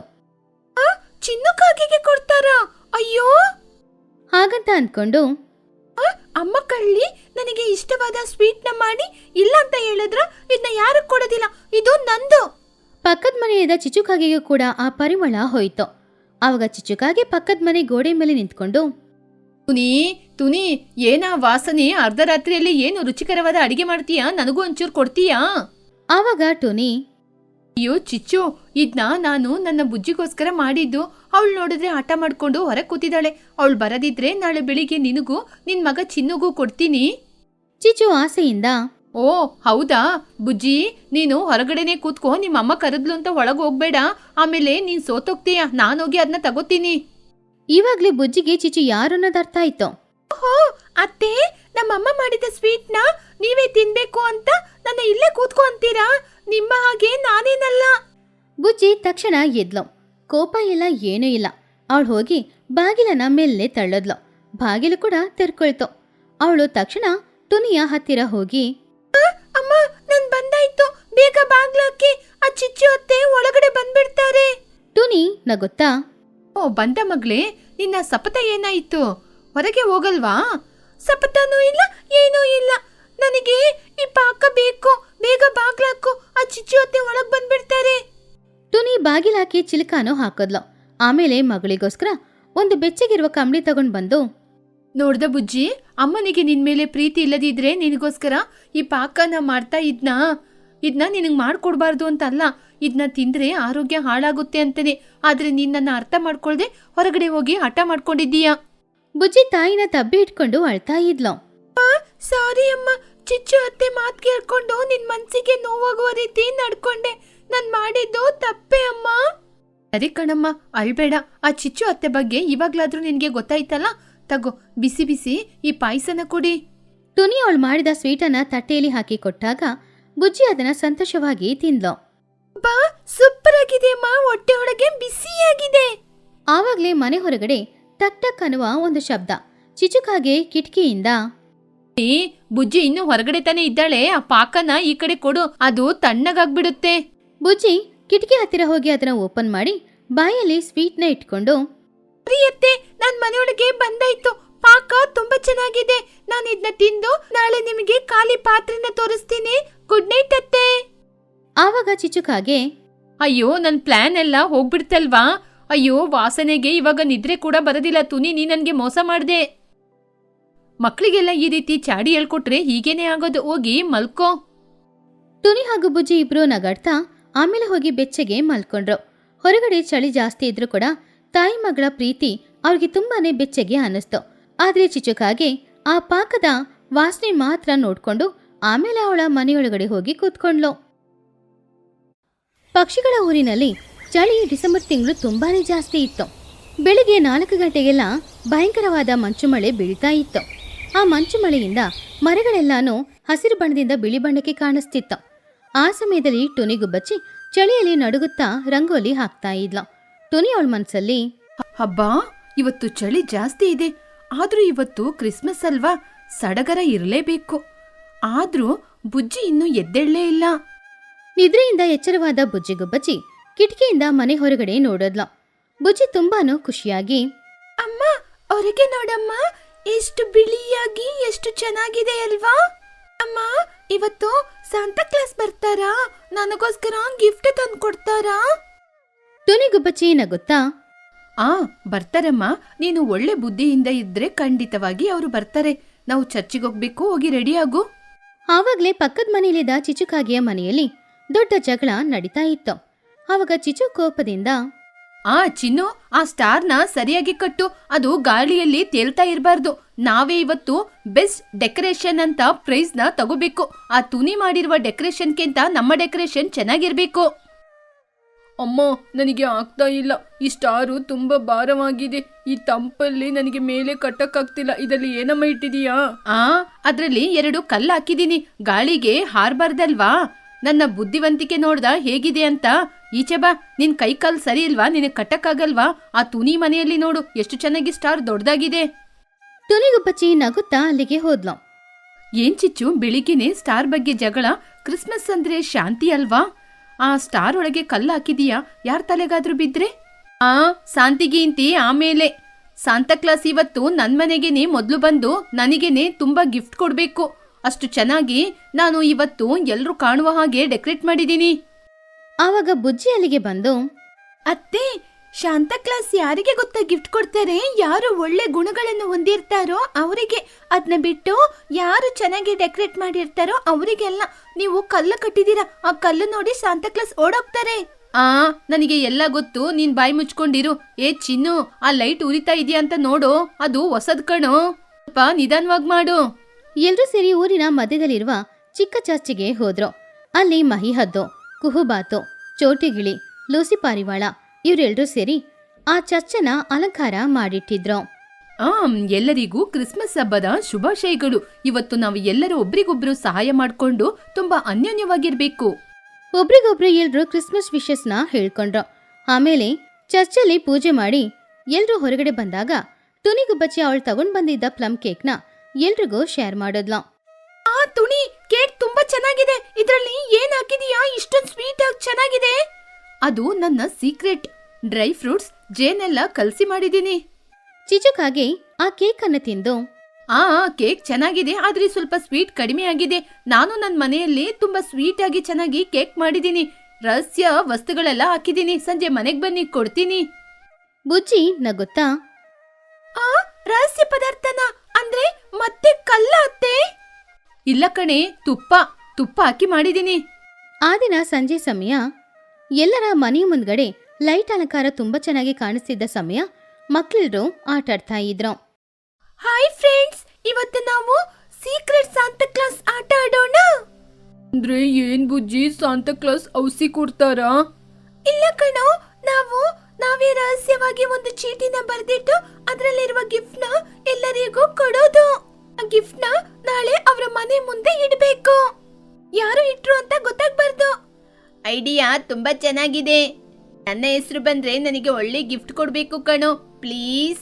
Speaker 2: ಚಿನ್ನು ಕಾಗೆಗೆ ಕೊಡ್ತಾರಾ? ಅಯ್ಯೋ,
Speaker 1: ಹಾಗಂತ ಅನ್ಕೊಂಡು,
Speaker 2: ಅಮ್ಮ ಕಳ್ಳಿ ನನಗೆ ಇಷ್ಟವಾದ ಸ್ವೀಟ್ ನ ಮಾಡಿ ಇಲ್ಲ ಅಂತ ಹೇಳಿದ್ರ ಇದನ್ನ ಯಾರು ಕೊಡೋದಿಲ್ಲ, ಇದು ನಂದು.
Speaker 1: ಪಕ್ಕದ ಮನೆಯಾದ ಚಿಚುಕಾಗೆಗೂ ಕೂಡ ಆ ಪರಿಮಳ ಹೋಯ್ತು. ಆವಾಗ ಚಿಚುಕಾಗೆ ಪಕ್ಕದ ಮನೆ ಗೋಡೆ ಮೇಲೆ ನಿಂತ್ಕೊಂಡು,
Speaker 3: ತುನಿ ತುನಿ ಏನಾ ವಾಸನೆ? ಅರ್ಧ ರಾತ್ರಿಯಲ್ಲಿ ಏನು ರುಚಿಕರವಾದ ಅಡಿಗೆ ಮಾಡ್ತೀಯಾ? ನನಗೂ ಒಂಚೂರು ಕೊಡ್ತೀಯಾ?
Speaker 1: ಆವಾಗ ಟೋನಿ,
Speaker 3: ಅಯ್ಯೋ ಚಿಚ್ಚು, ಇದನ್ನ ನಾನು ನನ್ನ ಬುಜ್ಜಿಗೋಸ್ಕರ ಮಾಡಿದ್ದು. ಅವಳು ನೋಡಿದ್ರೆ ಹಠ ಮಾಡ್ಕೊಂಡು ಹೊರಗೆ ಕೂತಿದ್ದಾಳೆ. ಅವಳು ಬರದಿದ್ರೆ ನಾಳೆ ಬೆಳಿಗ್ಗೆ ನಿನಗೂ ನಿನ್ ಮಗ ಚಿನ್ನುಗೂ ಕೊಡ್ತೀನಿ.
Speaker 1: ಚಿಚು ಆಸೆಯಿಂದ,
Speaker 3: ಓ ಹೌದಾ ಬುಜ್ಜಿ, ನೀನು ಹೊರಗಡೆನೆ ಕೂತ್ಕೋ. ನಿಮ್ಮಮ್ಮ ಕರೆದ್ಲು ಅಂತ ಒಳಗೆ ಹೋಗ್ಬೇಡ. ಆಮೇಲೆ ನೀನ್ ಸೋತೋಗ್ತೀಯ. ನಾನೋಗಿ ಅದನ್ನ ತಗೋತೀನಿ.
Speaker 1: ಇವಾಗ್ಲೇ ಬುಜ್ಜಿಗೆ ಚಿಚು ಯಾರು ಅನ್ನೋದು ಅರ್ಥ ಆಯ್ತು.
Speaker 2: ಓಹೋ ಅತ್ತೆ, ನಮ್ಮಮ್ಮ ಮಾಡಿದ ಸ್ವೀಟ್ ನ ನೀವೇ ತಿನ್ಬೇಕು ಅಂತ ನನ್ನ ಇಲ್ಲೇ ಕೂತ್ಕೊ ಅಂತೀರಾ? ನಿಮ್ಮ ಹಾಗೆ ನಾನೇನಲ್ಲ.
Speaker 1: ಬುಜ್ಜಿ ತಕ್ಷಣ ಎದ್ಲು. ಕೋಪ ಇಲ್ಲ, ಏನೂ ಇಲ್ಲ. ಅವಳು ಹೋಗಿ ಬಾಗಿಲನ್ನ ಮೇಲೆ ತಳ್ಳದ್ಲು. ಬಾಗಿಲು ಕೂಡ ತೆರ್ಕೊಳ್ತು. ಅವಳು ತಕ್ಷಣ ಟುನಿಯ ಹತ್ತಿರ ಹೋಗಿ,
Speaker 2: ಅಮ್ಮ, ನನ್ ಬಂದಾಯ್ತು, ಬೇಗ ಬಾಗ್ಲಾಕಿ. ಆ ಚಿಚ್ಚು ಅತ್ತೆ ಒಳಗಡೆ ಬಂದ್ಬಿಡ್ತಾರೆ.
Speaker 1: ಟುನಿ ನಗುತ್ತಾ,
Speaker 3: ಓ ಬಂದ ಮಗಳೇ, ನಿನ್ನ ಸಪತ ಏನಾಯಿತು? ಹೊರಗೆ ಹೋಗಲ್ವಾ?
Speaker 2: ಸಪತನೂ ಇಲ್ಲ, ಏನೂ ಇಲ್ಲ. ನನಗೆ ಈ ಪಾಕ ಬೇಕು, ಬೇಗ ಬಾಗ್ಲಾಕು, ಆ ಚಿಚ್ಚು ಅತ್ತೆ ಒಳಗ್ ಬಂದ್ಬಿಡ್ತಾರೆ.
Speaker 1: ಟುನಿ ಬಾಗಿಲಾಕಿ ಚಿಲ್ಕಾನೋ ಹಾಕದ್ಲು. ಆಮೇಲೆ ಮಗಳಿಗೋಸ್ಕರ ಒಂದು ಬೆಚ್ಚಗಿರುವ ಕಂಬಳಿ ತಗೊಂಡ್ ಬಂದು,
Speaker 3: ನೋಡ್ದ ಬುಜ್ಜಿ, ಅಮ್ಮನಿಗೆ ನಿನ್ ಮೇಲೆ ಪ್ರೀತಿ ಇಲ್ಲದಿದ್ರೆ ನಿನಗೋಸ್ಕರ ಈ ಪಾಕನ ಮಾಡ್ತಾ ಇದ್ನಾ? ಇದನ್ನ ನಿನಗೆ ಮಾಡ್ಕೊಡ್ಬಾರ್ದು ಅಂತ ಅಲ್ಲ, ಇದನ್ನ ತಿಂದ್ರೆ ಆರೋಗ್ಯ ಹಾಳಾಗುತ್ತೆ ಅಂತೇನೆ. ಆದ್ರೆ ನಿನ್ನನ್ನ ಅರ್ಥ ಮಾಡ್ಕೊಳ್ದೆ ಹೊರಗಡೆ ಹೋಗಿ ಹಠ ಮಾಡ್ಕೊಂಡಿದ್ದೀಯಾ.
Speaker 1: ಬುಜ್ಜಿ ತಾಯಿನ ತಬ್ಬಿ ಇಟ್ಕೊಂಡು ಅಳ್ತಾ ಇದ್ಲು.
Speaker 2: ಸಾರಿ ಅಮ್ಮ, ಚಿಚ್ಚು ಅತ್ತೆ ಮಾತ್ ಕೇಳ್ಕೊಂಡು ನಿನ್ ಮನ್ಸಿಗೆ ನೋವಾಗುವ ರೀತಿ ನಡ್ಕೊಂಡೆ. ನಾನ್ ಮಾಡಿದ್ದು ತಪ್ಪೆ ಅಮ್ಮ.
Speaker 3: ಸರಿ ಕಣಮ್ಮ, ಅಳ್ಬೇಡ. ಆ ಚಿಚ್ಚು ಅತ್ತೆ ಬಗ್ಗೆ ಇವಾಗ್ಲಾದ್ರೂ ನಿನ್ಗೆ ಗೊತ್ತಾಯ್ತಲ್ಲ. ತಗೋ, ಬಿಸಿ ಬಿಸಿ ಈ ಪಾಯಸನ ಕೊಡಿ.
Speaker 1: ಟುನಿ ಅವಳು ಮಾಡಿದ ಸ್ವೀಟನ್ನ ತಟ್ಟೆಯಲ್ಲಿ ಹಾಕಿ ಕೊಟ್ಟಾಗ ಬುಜ್ಜಿ ಅದನ್ನ ಸಂತೋಷವಾಗಿ ತಿಂದ್ಲು.
Speaker 2: ಬಾ, ಸೂಪರ್ ಆಗಿದೆ ಅಮ್ಮ, ಹೊಟ್ಟೆ ಒಳಗೆ ಬಿಸಿಯಾಗಿದೆ.
Speaker 1: ಆವಾಗ್ಲೇ ಮನೆ ಹೊರಗಡೆ ಟಕ್ ಟಕ್ ಅನ್ನುವ ಒಂದು ಶಬ್ದ. ಚಿಚುಕಾಗೆ ಕಿಟಕಿಯಿಂದ,
Speaker 3: ಏ ಬುಜ್ಜಿ ಇನ್ನೂ ಹೊರಗಡೆ ತಾನೇ ಇದ್ದಾಳೆ, ಆ ಪಾಕನ ಈ ಕಡೆ ಕೊಡು, ಅದು ತಣ್ಣಗಾಗ್ಬಿಡುತ್ತೆ.
Speaker 1: ಬುಜ್ಜಿ ಕಿಟಕಿ ಹತ್ತಿರ ಹೋಗಿ ಅದನ್ನ ಓಪನ್ ಮಾಡಿ ಬಾಯಲ್ಲಿ ಸ್ವೀಟ್ನ ಇಟ್ಕೊಂಡು,
Speaker 2: ಪ್ರಿಯತ್ತೆ, ನಾನ್ ಮನೆಯೊಳಗೆ ಬಂದಾಯ್ತು. ಪಾಕ ತುಂಬಾ ಚೆನ್ನಾಗಿದೆ. ನಾನು ಇದನ್ನ ತಿಂದು ನಾಳೆ ನಿಮಗೆ ಖಾಲಿ ಪಾತ್ರೆನ ತೋರಿಸ್ತೀನಿ. ಗುಡ್ ನೈಟ್ ಅತ್ತೆ.
Speaker 1: ಆವಾಗ ಚಿಚುಕಾಗೆ,
Speaker 3: ಅಯ್ಯೋ, ನನ್ ಪ್ಲಾನ್ ಎಲ್ಲ ಹೋಗ್ಬಿಡ್ತಲ್ವಾ. ಅಯ್ಯೋ, ವಾಸನೆಗೆ ಇವಾಗ ನಿದ್ರೆ ಕೂಡ ಬರೋದಿಲ್ಲ. ತುನಿ, ನೀ ನನ್ಗೆ ಮೋಸ ಮಾಡ್ದೆ. ಮಕ್ಕಳಿಗೆಲ್ಲ ಈ ರೀತಿ ಚಾಡಿ ಹೇಳ್ಕೊಟ್ರೆ ಹೀಗೇನೆ ಆಗೋದು. ಹೋಗಿ ಮಲ್ಕೋ.
Speaker 1: ಟುನಿ ಹಾಗೂ ಬುಜ್ಜಿ ಇಬ್ರು ನಗಾಡ್ತಾ ಆಮೇಲೆ ಹೋಗಿ ಬೆಚ್ಚಗೆ ಮಲ್ಕೊಂಡ್ರು. ಹೊರಗಡೆ ಚಳಿ ಜಾಸ್ತಿ ಇದ್ರೂ ಕೂಡ ತಾಯಿ ಮಗಳ ಪ್ರೀತಿ ಅವ್ರಿಗೆ ತುಂಬಾನೇ ಬೆಚ್ಚಗೆ ಅನ್ನಿಸ್ತು. ಆದ್ರೆ ಚಿಚುಕಾಗೆ ಆ ಪಾಕದ ವಾಸನೆ ಮಾತ್ರ ನೋಡ್ಕೊಂಡು ಆಮೇಲೆ ಅವಳ ಮನೆಯೊಳಗಡೆ ಹೋಗಿ ಕೂತ್ಕೊಂಡ್ಲು. ಪಕ್ಷಿಗಳ ಊರಿನಲ್ಲಿ ಚಳಿ ಡಿಸೆಂಬರ್ ತಿಂಗಳು ತುಂಬಾನೇ ಜಾಸ್ತಿ ಇತ್ತು. ಬೆಳಿಗ್ಗೆ ನಾಲ್ಕು ಗಂಟೆಗೆಲ್ಲ ಭಯಂಕರವಾದ ಮಂಚು ಮಳೆ ಬೀಳ್ತಾ ಇತ್ತು. ಆ ಮಂಚು ಮಳೆಯಿಂದ ಮರಗಳೆಲ್ಲಾನು ಹಸಿರು ಬಣ್ಣದಿಂದ ಬಿಳಿ ಬಣ್ಣಕ್ಕೆ ಕಾಣಿಸ್ತಿತ್ತು. ಆ ಸಮಯದಲ್ಲಿ ಟುನಿಗುಬ್ಬಚ್ಚಿ ಚಳಿಯಲ್ಲಿ ನಡುಗುತ್ತಾ ರಂಗೋಲಿ ಹಾಕ್ತಾ ಇದ್ಲು. ಟುನಿ ಅವಳ ಮನ್ಸಲ್ಲಿ,
Speaker 3: ಹಬ್ಬಾ, ಇವತ್ತು ಚಳಿ ಜಾಸ್ತಿ ಇದೆ. ಆದ್ರೂ ಇವತ್ತು ಕ್ರಿಸ್ಮಸ್ ಅಲ್ವಾ, ಸಡಗರ ಇರಲೇಬೇಕು. ಆದ್ರೂ ಬುಜ್ಜಿ ಇನ್ನೂ ಎದ್ದೇಳಲೇ ಇಲ್ಲ.
Speaker 1: ನಿದ್ರೆಯಿಂದ ಎಚ್ಚರವಾದ ಬುಜ್ಜಿಗುಬ್ಬಚ್ಚಿ ಕಿಟಕಿಯಿಂದ ಮನೆ ಹೊರಗಡೆ ನೋಡೋದ್ಲು. ಬುಜ್ಜಿ ತುಂಬಾನು ಖುಷಿಯಾಗಿ,
Speaker 2: ಅಮ್ಮ, ಹೊರಗೆ ನೋಡಮ್ಮ, ಎಷ್ಟು ಬಿಳಿಯಾಗಿ ಎಷ್ಟು ಚೆನ್ನಾಗಿದೆ ಅಲ್ವಾ? ಅಮ್ಮ, ಇವತ್ತು ಸಾಂತಾ ಕ್ಲಾಸ್ ಬರ್ತಾರಾ? ನನಗೋಸ್ಕರ ಗಿಫ್ಟ್ ತಂದು ಕೊಡ್ತಾರಾ?
Speaker 1: ಟುನಿಗುಬ್ಬಚ್ಚಿ ನಗುತ್ತಾ,
Speaker 3: ಆ ಬರ್ತಾರಮ್ಮ, ನೀನು ಒಳ್ಳೆ ಬುದ್ಧಿಯಿಂದ ಇದ್ರೆ ಖಂಡಿತವಾಗಿ ಅವರು ಬರ್ತಾರೆ. ನಾವು ಚರ್ಚಿಗೆ ಹೋಗ್ಬೇಕು, ಹೋಗಿ ರೆಡಿ ಆಗು.
Speaker 1: ಆವಾಗ್ಲೇ ಪಕ್ಕದ ಮನೆಯಲ್ಲಿದ್ದ ಚಿಚುಕಾಗಿಯ ಮನೆಯಲ್ಲಿ ದೊಡ್ಡ ಜಗಳ ನಡೀತಾ ಇತ್ತು. ಆವಾಗ ಚಿಚು ಕೋಪದಿಂದ,
Speaker 3: ಆ ಚಿನ್ನು, ಆ ಸ್ಟಾರ್ನ ಸರಿಯಾಗಿ ಕಟ್ಟು, ಅದು ಗಾಳಿಯಲ್ಲಿ ತೇಲ್ತಾ ಇರಬಾರ್ದು. ನಾವೇ ಇವತ್ತು ಬೆಸ್ಟ್ ಡೆಕೋರೇಷನ್ ಅಂತ ಪ್ರೈಸ್ ನ ತಗೋಬೇಕು. ಆ ತುನಿ ಮಾಡಿರುವ ಡೆಕೋರೇಷನ್ಗಿಂತ ನಮ್ಮ ಡೆಕೋರೇಷನ್ ಚೆನ್ನಾಗಿರ್ಬೇಕು. ಅಮ್ಮ, ನನಗೆ ಆಗ್ತಾ ಇಲ್ಲ. ಈ ಸ್ಟಾರು ತುಂಬಾ ಭಾರವಾಗಿದೆ. ಈ ತಂಪಲ್ಲಿ ನನಗೆ ಮೇಲೆ ಕಟ್ಟಕ್ಕಾಗ್ತಿಲ್ಲ. ಇದರಲ್ಲಿ ಏನಮ್ಮ ಇಟ್ಟಿದೀಯಾ? ಆ ಅದ್ರಲ್ಲಿ ಎರಡು ಕಲ್ಲು ಹಾಕಿದೀನಿ, ಗಾಳಿಗೆ ಹಾರ್ಬಾರ್ದಲ್ವಾ. ನನ್ನ ಬುದ್ಧಿವಂತಿಕೆ ನೋಡ್ದ ಹೇಗಿದೆ ಅಂತ. ಈಚೆ ಬಾ, ನಿನ್ ಕೈ ಕಾಲ್ ಸರಿ ಇಲ್ವಾ? ನಿನಗೆ ಕಟ್ಟಕ್ಕಾಗಲ್ವಾ? ಆ ತುನಿ ಮನೆಯಲ್ಲಿ ನೋಡು ಎಷ್ಟು ಚೆನ್ನಾಗಿ ಸ್ಟಾರ್ ದೊಡ್ಡದಾಗಿದೆ.
Speaker 1: ಟುನಿಗುಬ್ಬಚ್ಚಿ ನಗುತ್ತಾ ಅಲ್ಲಿಗೆ ಹೋದ್ಲು.
Speaker 3: ಏನ್ ಚಿಚ್ಚು, ಬೆಳಿಗ್ಗೆನೆ ಸ್ಟಾರ್ ಬಗ್ಗೆ ಜಗಳ? ಕ್ರಿಸ್ಮಸ್ ಅಂದ್ರೆ ಶಾಂತಿ ಅಲ್ವಾ? ಆ ಸ್ಟಾರ್ ಒಳಗೆ ಕಲ್ಲು ಹಾಕಿದೀಯಾ? ಯಾರ ತಲೆಗಾದ್ರೂ ಬಿದ್ರೆ? ಆ ಶಾಂತಿಗೀಂತಿ ಆಮೇಲೆ. ಸಾಂತಾ ಕ್ಲಾಸ್ ಇವತ್ತು ನನ್ ಮನೆಗೇನೆ ಮೊದ್ಲು ಬಂದು ನನಗೇನೆ ತುಂಬಾ ಗಿಫ್ಟ್ ಕೊಡ್ಬೇಕು. ಅಷ್ಟು ಚೆನ್ನಾಗಿ ನಾನು ಇವತ್ತು ಎಲ್ರು ಕಾಣುವ ಹಾಗೆ ಡೆಕೋರೇಟ್ ಮಾಡಿದೀನಿ.
Speaker 1: ಆವಾಗ ಬುಜ್ಜಿ ಅಲ್ಲಿಗೆ ಬಂದು,
Speaker 2: ಅತ್ತೆ, ಶಾಂತಾ ಕ್ಲಾಸ್ ಯಾರಿಗೆ ಗೊತ್ತಾ ಗಿಫ್ಟ್ ಕೊಡ್ತಾರೆ? ಯಾರು ಒಳ್ಳೆ ಗುಣಗಳನ್ನು ಹೊಂದಿರ್ತಾರೋ ಅವರಿಗೆ. ಅದನ್ನ ಬಿಟ್ಟು ಯಾರು ಚೆನ್ನಾಗಿ ಡೆಕೋರೇಟ್ ಮಾಡಿರ್ತಾರೋ ಅವರಿಗೆಲ್ಲ. ನೀವು ಕಲ್ಲು ಕಟ್ಟಿದೀರಾ, ಆ ಕಲ್ಲು ನೋಡಿ ಶಾಂತಾ ಕ್ಲಾಸ್ ಓಡೋಗ್ತಾರೆ.
Speaker 3: ಆ ನನಗೆ ಎಲ್ಲ ಗೊತ್ತು, ನೀನ್ ಬಾಯಿ ಮುಚ್ಕೊಂಡಿರು. ಏ ಚಿನ್ನು, ಆ ಲೈಟ್ ಉರಿತಾ ಇದೆಯಾ ಅಂತ ನೋಡು, ಅದು ಹೊಸದ್ ಕಣೋ, ಸ್ವಲ್ಪ ನಿಧಾನವಾಗಿ ಮಾಡು.
Speaker 1: ಎಲ್ರೂ ಸೇರಿ ಊರಿನ ಮಧ್ಯದಲ್ಲಿರುವ ಚಿಕ್ಕ ಚರ್ಚಿಗೆ ಹೋದ್ರು. ಅಲ್ಲಿ ಮಹಿಹದ್ದು, ಕುಹುಬಾತು, ಚೋಟಿಗಿಳಿ, ಲೂಸಿ ಪಾರಿವಾಳ ಇವರೆಲ್ಲರೂ ಸೇರಿ ಆ ಚರ್ಚನ ಅಲಂಕಾರ ಮಾಡಿಟ್ಟಿದ್ರು.
Speaker 3: ಆ ಎಲ್ಲರಿಗೂ ಕ್ರಿಸ್ಮಸ್ ಹಬ್ಬದ ಶುಭಾಶಯಗಳು. ಇವತ್ತು ನಾವು ಎಲ್ಲರೂ ಒಬ್ರಿಗೊಬ್ರು ಸಹಾಯ ಮಾಡ್ಕೊಂಡು ತುಂಬಾ ಅನ್ಯೋನ್ಯವಾಗಿರ್ಬೇಕು.
Speaker 1: ಒಬ್ರಿಗೊಬ್ರು ಎಲ್ರು ಕ್ರಿಸ್ಮಸ್ ವಿಶಸ್ನ ಹೇಳ್ಕೊಂಡ್ರು. ಆಮೇಲೆ ಚರ್ಚಲ್ಲಿ ಪೂಜೆ ಮಾಡಿ ಎಲ್ರೂ ಹೊರಗಡೆ ಬಂದಾಗ ಟುನಿಗುಬ್ಬಚ್ಚಿ ಅವಳು ತಗೊಂಡ್ ಬಂದಿದ್ದ ಪ್ಲಮ್ ಕೇಕ್ನ ಎಲ್ರಿಗೂ ಶೇರ್ ಮಾಡಿದ್ಲು.
Speaker 2: ಆ ತುಣಿ, ಕೇಕ್ ತುಂಬಾ ಚೆನ್ನಾಗಿದೆ. ಇದ್ರಲ್ಲಿ ಏನ್ ಹಾಕಿದೀಯಾ? ಇಷ್ಟೊಂದು ಸ್ವೀಟ್ ಆಗಿ ಚೆನ್ನಾಗಿದೆ.
Speaker 3: ಅದು ನನ್ನ ಸೀಕ್ರೆಟ್. ಡ್ರೈ ಫ್ರೂಟ್ಸ್, ಜೇನೆಲ್ಲ ಕಲಸಿ ಮಾಡಿದೀನಿ.
Speaker 1: ಚಿಚುಕಾಗೆ ಆ ಕೇಕ್ ಅನ್ನು ತಿಂದು
Speaker 3: ಆ ಕೇಕ್ ಚೆನ್ನಾಗಿದೆ, ಆದ್ರೆ ಸ್ವಲ್ಪ ಸ್ವೀಟ್ ಕಡಿಮೆ ಆಗಿದೆ. ನಾನು ನನ್ನ ಮನೆಯಲ್ಲಿ ತುಂಬಾ ಸ್ವೀಟ್ ಆಗಿ ಚೆನ್ನಾಗಿ ಕೇಕ್ ಮಾಡಿದೀನಿ. ರಹಸ್ಯ ವಸ್ತುಗಳೆಲ್ಲ ಹಾಕಿದೀನಿ. ಸಂಜೆ ಮನೆಗ್ ಬನ್ನಿ, ಕೊಡ್ತೀನಿ.
Speaker 1: ಬುಜ್ಜಿ ನಗುತ್ತಾ,
Speaker 2: ಆ ರಹಸ್ಯ ಪದಾರ್ಥನ ಅಂದ್ರೆ ಮತ್ತೆ ಕಲ್ಲ ಅತ್ತೆ?
Speaker 3: ಇಲ್ಲ ಕಣೆ, ತುಪ್ಪ ತುಪ್ಪ ಹಾಕಿ ಮಾಡಿದೀನಿ.
Speaker 1: ಆ ದಿನ ಸಂಜೆ ಸಮಯ ಎಲ್ಲರ ಮನೆಯ ಮುಂದ್ಗಡೆ ಲೈಟ್ ಅಲಂಕಾರ ತುಂಬಾ ಚೆನ್ನಾಗಿ ಕಾಣಿಸ್ತಿದ್ದ ಸಮಯ ಮಕ್ಕಳೆಲ್ಲರೂ ಆಟಾಡ್ತಾ ಇದ್ರು.
Speaker 2: ಹಾಯ್ ಫ್ರೆಂಡ್ಸ್, ಇವತ್ತು ನಾವು ಸೀಕ್ರೆಟ್ ಸಾಂತಾ ಕ್ಲಾಸ್ ಆಟ ಆಡೋಣ.
Speaker 3: ಅಂದ್ರೆ ಏನ್ ಬುಜ್ಜಿ, ಸಾಂತಾ ಕ್ಲಾಸ್ ಔಸಿ ಕೊಡ್ತಾರಾ?
Speaker 2: ಇಲ್ಲ ಕಣೋ, ನಾವು ನಾವೇ ರಹಸ್ಯವಾಗಿ ಒಂದು ಚೀಟಿನ ಬರೆದಿಟ್ಟು ಅದರಲ್ಲಿರುವ ಗಿಫ್ಟ್ ನ ಎಲ್ಲರಿಗೂ ಕೊಡೋದು. ಆ ಗಿಫ್ಟ್ ನ ನಾಳೆ ಅವರ ಮನೆ ಮುಂದೆ ಇಡಬೇಕು. ಯಾರು ಇಟ್ರು ಅಂತ ಗೊತ್ತಾಗ್ಬಾರ್ದು. ಐಡಿಯಾ ತುಂಬಾ ಚೆನ್ನಾಗಿದೆ. ನನ್ನ ಹೆಸರು ಬಂದ್ರೆ ನನಗೆ ಒಳ್ಳೆ ಗಿಫ್ಟ್ ಕೊಡ್ಬೇಕು ಕಣೋ, ಪ್ಲೀಸ್.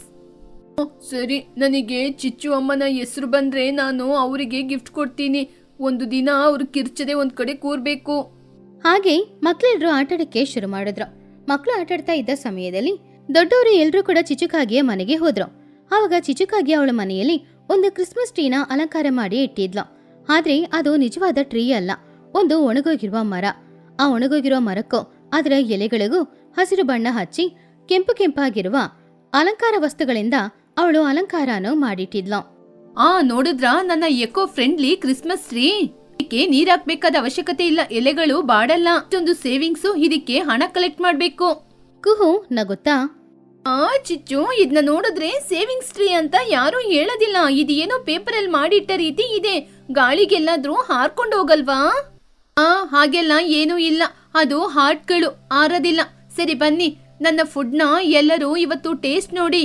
Speaker 3: ಸರಿ, ನನಗೆ ಚಿಚ್ಚು ಅಮ್ಮನ ಹೆಸರು ಬಂದ್ರೆ ನಾನು ಅವರಿಗೆ ಗಿಫ್ಟ್ ಕೊಡ್ತೀನಿ. ಒಂದು ದಿನ ಅವ್ರು ಕಿರ್ಚದೆ ಒಂದ್ ಕಡೆ ಕೂರ್ಬೇಕು.
Speaker 1: ಹಾಗೆ ಮಕ್ಕಳೆಲ್ಲರೂ ಆಟಾಡಕ್ಕೆ ಶುರು ಮಾಡಿದ್ರು. ಮಕ್ಕಳು ಆಟಾಡ್ತಾ ಇದ್ದ ಸಮಯದಲ್ಲಿ ದೊಡ್ಡವರು ಎಲ್ಲರೂ ಕೂಡ ಚಿಚುಕಾಗಿಯ ಮನೆಗೆ ಹೋದ್ರು. ಆವಾಗ ಚಿಚುಕಾಗಿ ಅವಳ ಮನೆಯಲ್ಲಿ ಒಂದು ಕ್ರಿಸ್ಮಸ್ ಟ್ರೀನ ಅಲಂಕಾರ ಮಾಡಿ ಇಟ್ಟಿದ್ಲು. ಆದ್ರೆ ಅದು ನಿಜವಾದ ಟ್ರೀ ಅಲ್ಲ, ಒಂದು ಒಣಗೋಗಿರುವ ಮರ. ಆ ಒಣಗೋಗಿರುವ ಮರಕ್ಕೂ ಅದರ ಎಲೆಗಳಿಗೂ ಹಸಿರು ಬಣ್ಣ ಹಚ್ಚಿ ಕೆಂಪು ಕೆಂಪಾಗಿರುವ ಅಲಂಕಾರ ವಸ್ತುಗಳಿಂದ ಅವಳು ಅಲಂಕಾರನೂ ಮಾಡಿಟ್ಟಿದ್ಲು.
Speaker 3: ಆ ನೋಡಿದ್ರ ನನ್ನ ಎಕೋ ಫ್ರೆಂಡ್ಲಿ ಕ್ರಿಸ್ಮಸ್ ಟ್ರೀ. ಇದಕ್ಕೆ ನೀರ್ ಹಾಕ್ಬೇಕಾದ ಅವಶ್ಯಕತೆ ಇಲ್ಲ, ಎಲೆಗಳು ಬಾಡಲ್ಲ. ಇಷ್ಟೊಂದು ಸೇವಿಂಗ್ಸು, ಇದಕ್ಕೆ ಹಣ ಕಲೆಕ್ಟ್ ಮಾಡ್ಬೇಕು.
Speaker 1: ಕುಹು ನಗುತ್ತಾ,
Speaker 3: ಆ ಚಿಚ್ಚು, ಇದನ್ನ ನೋಡಿದ್ರೆ ಸೇವಿಂಗ್ಸ್ ಟ್ರೀ ಅಂತ ಯಾರು ಹೇಳೋದಿಲ್ಲ. ಇದೇನೋ ಪೇಪರ್ ಅಲ್ಲಿ ಮಾಡಿಟ್ಟ ರೀತಿ ಇದೆ. ಗಾಳಿಗೆಲ್ಲಾದ್ರೂ ಹಾರ್ಕೊಂಡು ಹೋಗಲ್ವಾ? ಆ ಹಾಗೆಲ್ಲ ಏನೂ ಇಲ್ಲ, ಅದು ಹಾರ್ಟ್ಗಳು ಆರೋದಿಲ್ಲ. ಸರಿ ಬನ್ನಿ, ನನ್ನ ಫುಡ್ನ ಎಲ್ಲರೂ ಇವತ್ತು ಟೇಸ್ಟ್ ನೋಡಿ.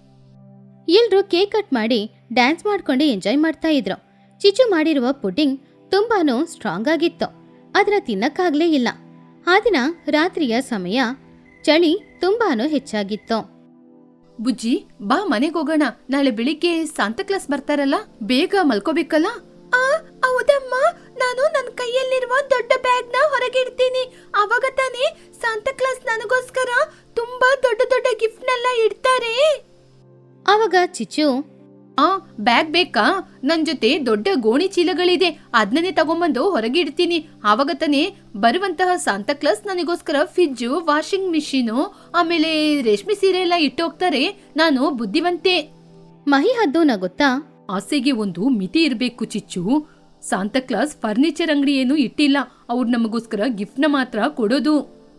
Speaker 1: ಎಲ್ರೂ ಕೇಕ್ ಕಟ್ ಮಾಡಿ ಡ್ಯಾನ್ಸ್ ಮಾಡ್ಕೊಂಡು ಎಂಜಾಯ್ ಮಾಡ್ತಾ ಇದ್ರು. ಚಿಚು ಮಾಡಿರುವ ಪುಡ್ಡಿಂಗ್ ತುಂಬಾನು ಸ್ಟ್ರಾಂಗ್ ಆಗಿತ್ತು, ಅದನ್ನ ತಿನ್ನಕ್ಕಾಗ್ಲೇ ಇಲ್ಲ. ಆ ದಿನ ರಾತ್ರಿಯ ಸಮಯ, ಚಳಿ ತುಂಬಾನು ಹೆಚ್ಚಾಗಿತ್ತು.
Speaker 3: ಬುಜ್ಜಿ ಬಾ, ಮನೆಗೆ ಹೋಗೋಣ. ನಾಳೆ ಬೆಳಿಗ್ಗೆ ಸಾಂತಾ ಕ್ಲಾಸ್ ಬರ್ತಾರಲ್ಲ, ಬೇಗ ಮಲ್ಕೋಬೇಕಲ್ಲ.
Speaker 2: ಆ ಹೌದಮ್ಮ, ನಾನು ನನ್ನ ಕೈಯಲ್ಲಿರುವ ದೊಡ್ಡ ಬ್ಯಾಗ್ ನ ಹೊರಗೆ ಇಡ್ತೀನಿ. ಅವಾಗ ತಾನೇ ಸಾಂತಾ ಕ್ಲಾಸ್ ನನಗೋಸ್ಕರ ತುಂಬಾ ದೊಡ್ಡ ದೊಡ್ಡ ಗಿಫ್ಟ್ ನೆಲ್ಲ ಇಡ್ತಾರೆ.
Speaker 1: ಆವಾಗ ಚಿಚು,
Speaker 3: ಆ ಬ್ಯಾಗ್ ಬೇಕಾ? ನನ್ ಜೊತೆ ದೊಡ್ಡ ಗೋಣಿ ಚೀಲಗಳಿದೆ, ಅದನ್ನೇ ತಗೊಂಬಂದು ಹೊರಗೆ ಇಡ್ತೀನಿ. ಆವಾಗ ತಾನೇ ಬರುವಂತಹ ಸಾಂತಾ ಕ್ಲಾಸ್ ನನಗೋಸ್ಕರ ಫ್ರಿಡ್ಜು, ವಾಷಿಂಗ್ ಮಿಷಿನು, ಆಮೇಲೆ ರೇಷ್ಮೆ ಸೀರೆ ಎಲ್ಲ ಇಟ್ಟೋಗ್ತಾರೆ. ನಾನು ಬುದ್ಧಿವಂತೆ.
Speaker 1: ಮಹಿ ಹದ್ದು ನಗುತ್ತಾ,
Speaker 3: ಆಸೆಗೆ ಒಂದು ಮಿತಿ ಇರಬೇಕು ಚಿಚ್ಚು. ಸಾಂತಾ ಕ್ಲಾಸ್ ಫರ್ನಿಚರ್ ಅಂಗಡಿ ಏನು ಇಟ್ಟಿಲ್ಲ, ಅವ್ರು ನಮಗೋಸ್ಕರ ಗಿಫ್ಟ್ ನ ಮಾತ್ರ ಕೊಡೋದು.